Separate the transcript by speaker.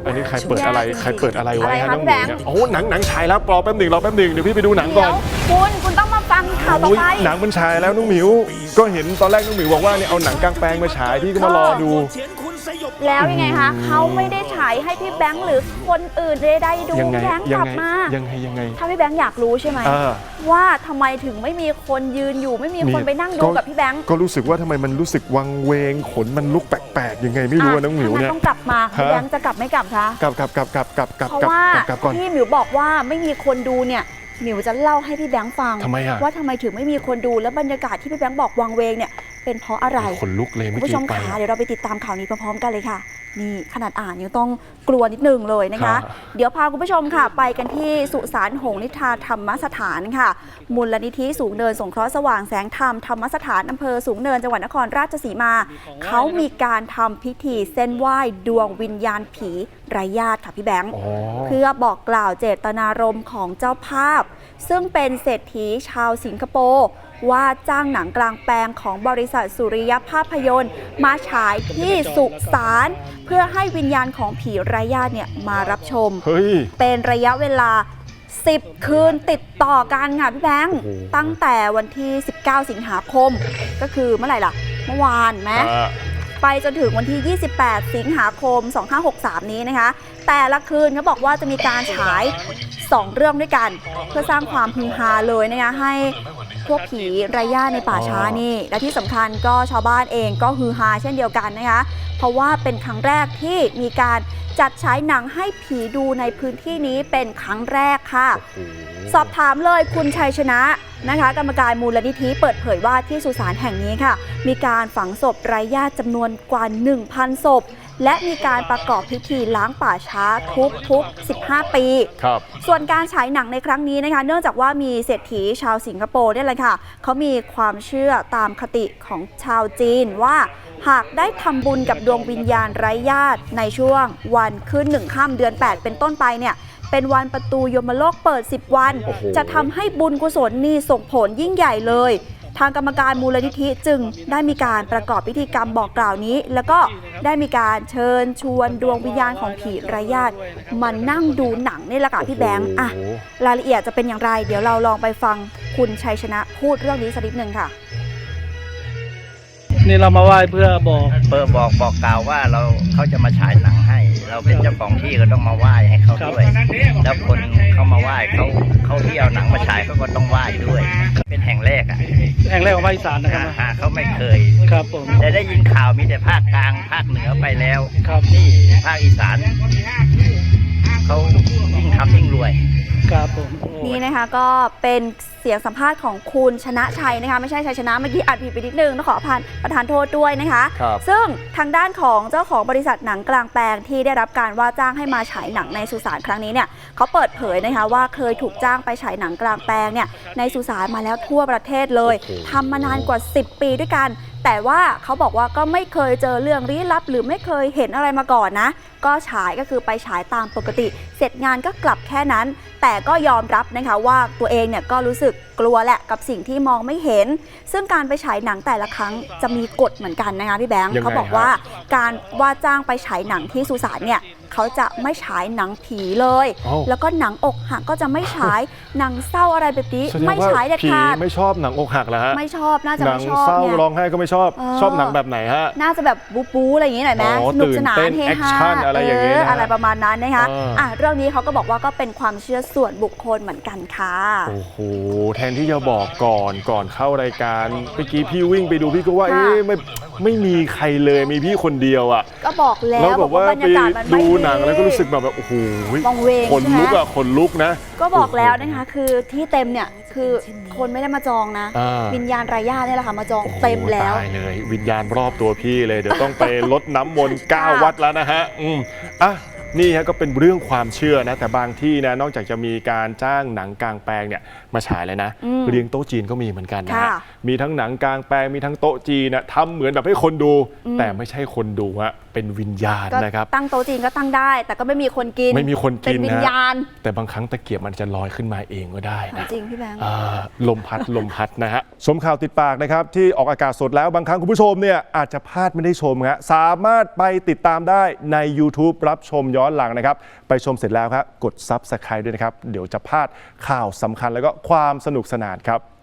Speaker 1: อันนี้ใครเปิดอะไรใครเปิดอะไรไว้ฮะน้องหมิวเนี่ยโอ้หนังฉายแล้วรอแป๊บหนึ่งเดี๋ยวพี่ไปดูหนังก่อน
Speaker 2: คุณต้องมาฟังข่าวต่อไป
Speaker 1: หนังมันฉายแล้วน้องหมิวก็เห็นตอนแรกน้องหมิวบอกว่าเนี่ยเอาหนังกลางแปลงมาฉายพี่ก็มารอดู
Speaker 2: แล้วยังไงคะเขาไม่ได้ฉายให้พี่แบงค์หรือคนอื่นได้ดูแบงค์กลับมา
Speaker 1: ยังไง
Speaker 2: ถ้าพี่แบงค์อยากรู้ใช่ไหมว่าทำไมถึงไม่มีคนยืนอยู่ไม่มีคนไปนั่งดูกับพี่แบงค์
Speaker 1: ก็รู้สึกว่าทำไมมันรู้สึกวังเวงขนมันลุกแปลกๆยังไงไม่รู้น้องหมิวเนี่ย
Speaker 2: ต้องกลับมาพี่แบงค์จะกลับไม่กลับคะ
Speaker 1: กลับ
Speaker 2: เพราะว่าที่หมิวบอกว่าไม่มีคนดูเนี่ยหมิวจะเล่าให้พี่แบงค์ฟังว่าทำไมถึงไม่มีคนดูและบรรยากาศที่พี่แบงค์บอกวังเวงเนี่ยเป็นเพราะอะไร
Speaker 1: ขนลุกเลย
Speaker 2: คุณผู้ชมคะเดี๋ยวเราไปติดตามข่าวนี้พร้อมๆกันเลยค่ะนี่ขนาดอ่านยังต้องกลัวนิดนึงเลยนะคะเดี๋ยวพาคุณผู้ชมค่ะไปกันที่สุสานหงส์นิทราธรรมสถานค่ะมูลนิธิสูงเนินสงเคราะห์สว่างแสงธรรมธรรมสถานอำเภอสูงเนินจังหวัดนครราชสีมาเขามีการทำพิธีเส้นไหว้ดวงวิญญาณผีไร้ญาติค่ะพี่แบงค์เพื่อบอกกล่าวเจตนารมณ์ของเจ้าภาพซึ่งเป็นเศรษฐีชาวสิงคโปร์ว่าจ้างหนังกลางแปลงของบริษัทสุริยภาพยนตร์มาฉายที่สุสานเพื่อให้วิญญาณของผีไร้ญาติเนี่ยมารับชมเป็นระยะเวลา10 คืนติดต่อกันค่ะพี่แบงค์ตั้งแต่วันที่19 สิงหาคมก็คือเมื่อไหร่ล่ะเมื่อวานไหมไปจนถึงวันที่28 สิงหาคม 2563 นี้นะคะแต่ละคืนเขาบอกว่าจะมีการฉาย2 เรื่องด้วยกันเพื่อสร้างความฮือฮาเลยนะคะให้พวกผีไร้ญาติในป่าช้านี่และที่สำคัญก็ชาวบ้านเองก็ฮือฮาเช่นเดียวกันนะคะเพราะว่าเป็นครั้งแรกที่มีการจัดฉายหนังให้ผีดูในพื้นที่นี้เป็นครั้งแรกค่ะสอบถามเลยคุณชัยชนะนะคะกรรมการมูลนิธิเปิดเผยว่าที่สุสานแห่งนี้ค่ะมีการฝังศพไร้ญาติจำนวนกว่า 1,000 ศพและมีการประกอบพิธีล้างป่าช้าทุก15 ปีส่วนการฉายหนังในครั้งนี้นะคะเนื่องจากว่ามีเศรษฐีชาวสิงคโปร์เนี่ยแหละค่ะเขามีความเชื่อตามคติของชาวจีนว่าหากได้ทำบุญกับดวงวิญญาณไร้ญาติในช่วงวันขึ้น1 ค่ำเดือน 8เป็นต้นไปเนี่ยเป็นวันประตูยมโลกเปิด10 วันจะทำให้บุญกุศลนี่ส่งผลยิ่งใหญ่เลยทางกรรมการมูลนิธิจึงได้มีการประกอบพิธีกรรมบอกกล่าวนี้แล้วก็ได้มีการเชิญชวนดวงวิญญาณของผีไร้ญาติมานั่งดูหนังนี่แหละค่ะพี่แบงค์อะรายละเอียดจะเป็นอย่างไรเดี๋ยวเราลองไปฟังคุณชัยชนะพูดเรื่องนี้สักนิดนึงค่ะ
Speaker 3: นี่เรามาไหว้เพื่อบอก
Speaker 4: กล่าวว่าเขาจะมาฉายหนังให้เราเป็นเจ้าของที่ก็ต้องมาไหว้ให้เขาด้วยแล้วคนเขามาไหว้เขาที่เอาหนังมาฉายเขาก็ต้องไหว้ด้วยเป็นแห่งแรก
Speaker 3: ของภาคอีสานนะครับ
Speaker 4: เขาไม่เคย
Speaker 3: ครับผม
Speaker 4: แต่ได้ยินข่าวมีแต่ภาคกลางภาคเหนือไปแล้ว
Speaker 3: ครับ
Speaker 4: นี่ภาคอีสานเขายิ่งทำยิ่งรวย
Speaker 3: ครับผม
Speaker 2: นี่นะคะก็เป็นเสียงสัมภาษณ์ของคุณชนะชัยนะคะไม่ใช่ชัยชนะเมื่อกี้อัดผิดไปนิดนึงต้องขอประทานโทษด้วยนะคะซึ่งทางด้านของเจ้าของบริษัทหนังกลางแปลงที่ได้รับการว่าจ้างให้มาฉายหนังในสุสานครั้งนี้เนี่ยเขาเปิดเผยนะคะว่าเคยถูกจ้างไปฉายหนังกลางแปลงเนี่ยในสุสานมาแล้วทั่วประเทศเลยทำมานานกว่า10 ปีด้วยกันแต่ว่าเขาบอกว่าก็ไม่เคยเจอเรื่องลี้ลับหรือไม่เคยเห็นอะไรมาก่อนนะก็ฉายก็คือไปฉายตามปกติเสร็จงานก็กลับแค่นั้นแต่ก็ยอมรับนะคะว่าตัวเองเนี่ยก็รู้สึกกลัวแหละกับสิ่งที่มองไม่เห็นซึ่งการไปฉายหนังแต่ละครั้งจะมีกฎเหมือนกันนะคะพี่แบงค์เขาบอกว่าการว่าจ้างไปฉายหนังที่สุสานเนี่ยเขาจะไม่ฉายหนังผีเลยแล้วก็หนังอกหักก็จะไม่ฉายหนังเศร้าอะไรแบบนี้ไม่ฉายเด็ดขาด
Speaker 1: ไม่ชอบหนังอกหักเหรอฮะ
Speaker 2: ไม่ชอบน่าจะไม่ชอบ
Speaker 1: หนังเศร้าร้องไห้ก็ไม่ชอบหนังแบบไหนฮะ
Speaker 2: น่าจะแบบบู๊อะไรอย่างนี้หน่อยไหมสนุกสนานเฮฮา
Speaker 1: อะไรอย่างเงี้ย
Speaker 2: อะไรประมาณนั้นนะคะเรื่องนี้เขาก็บอกว่าก็เป็นความเชื่อส่วนบุคคลเหมือนกันค่ะ
Speaker 1: โอ้โหแทนที่จะบอกก่อนเข้ารายการเมื่อกี้พี่วิ่งไปดูพี่ก็ว่าไม่มีใครเลยมีพี่คนเดียวอ่ะ
Speaker 2: ก็บอกแล้ว
Speaker 1: บอกว่าไปดูหนังแล้วก็รู้สึกแบบโอ้โหขนลุกนะ
Speaker 2: ก็บอกแล้วนะคะคือที่เต็มเนี่ยคือคนไม่ได้มาจองนะวิญญาณไร้ญาตินี่แหละค่ะมาจองเต็มแล้ว
Speaker 1: ตายเลยวิญญาณรอบตัวพี่เลยเดี๋ยวต้องไปรดน้ำมนต์9 วัดแล้วนะฮะนี่ฮะก็เป็นเรื่องความเชื่อนะแต่บางที่นะนอกจากจะมีการจ้างหนังกลางแปลงเนี่ยมาฉายเลยนะเลี้ยงโต๊ะจีนก็มีเหมือนกันนะมีทั้งหนังกลางแปลงมีทั้งโต๊ะจีนนะทำเหมือนแบบให้คนดูแต่ไม่ใช่คนดูฮะเป็นวิญญาณ
Speaker 2: ก็
Speaker 1: นะครับ
Speaker 2: ตั้งโต๊ะจีนก็ตั้งได้ แต่ก็ไม่มีคนกิน
Speaker 1: ไม่มีคนกิน
Speaker 2: เป็นวิญญาณ
Speaker 1: แต่บางครั้งตะเกียบมันจะลอยขึ้นมาเองก็ได้
Speaker 2: ถาม
Speaker 1: นะ
Speaker 2: จริงพี่แบงค์
Speaker 1: ลมพัดนะฮะชมข่าวติดปากนะครับที่ออกอากาศสดแล้วบางครั้งคุณผู้ชมเนี่ยอาจจะพลาดไม่ได้ชมฮะสามารถไปติดตามได้ใน YouTube รับชมย้อนหลังนะครับไปชมเสร็จแล้วครับกด Subscribe ด้วยนะครับเดี๋ยวจะพลาดข่าวสำคัญแล้วก็ความสนุกสนานครับ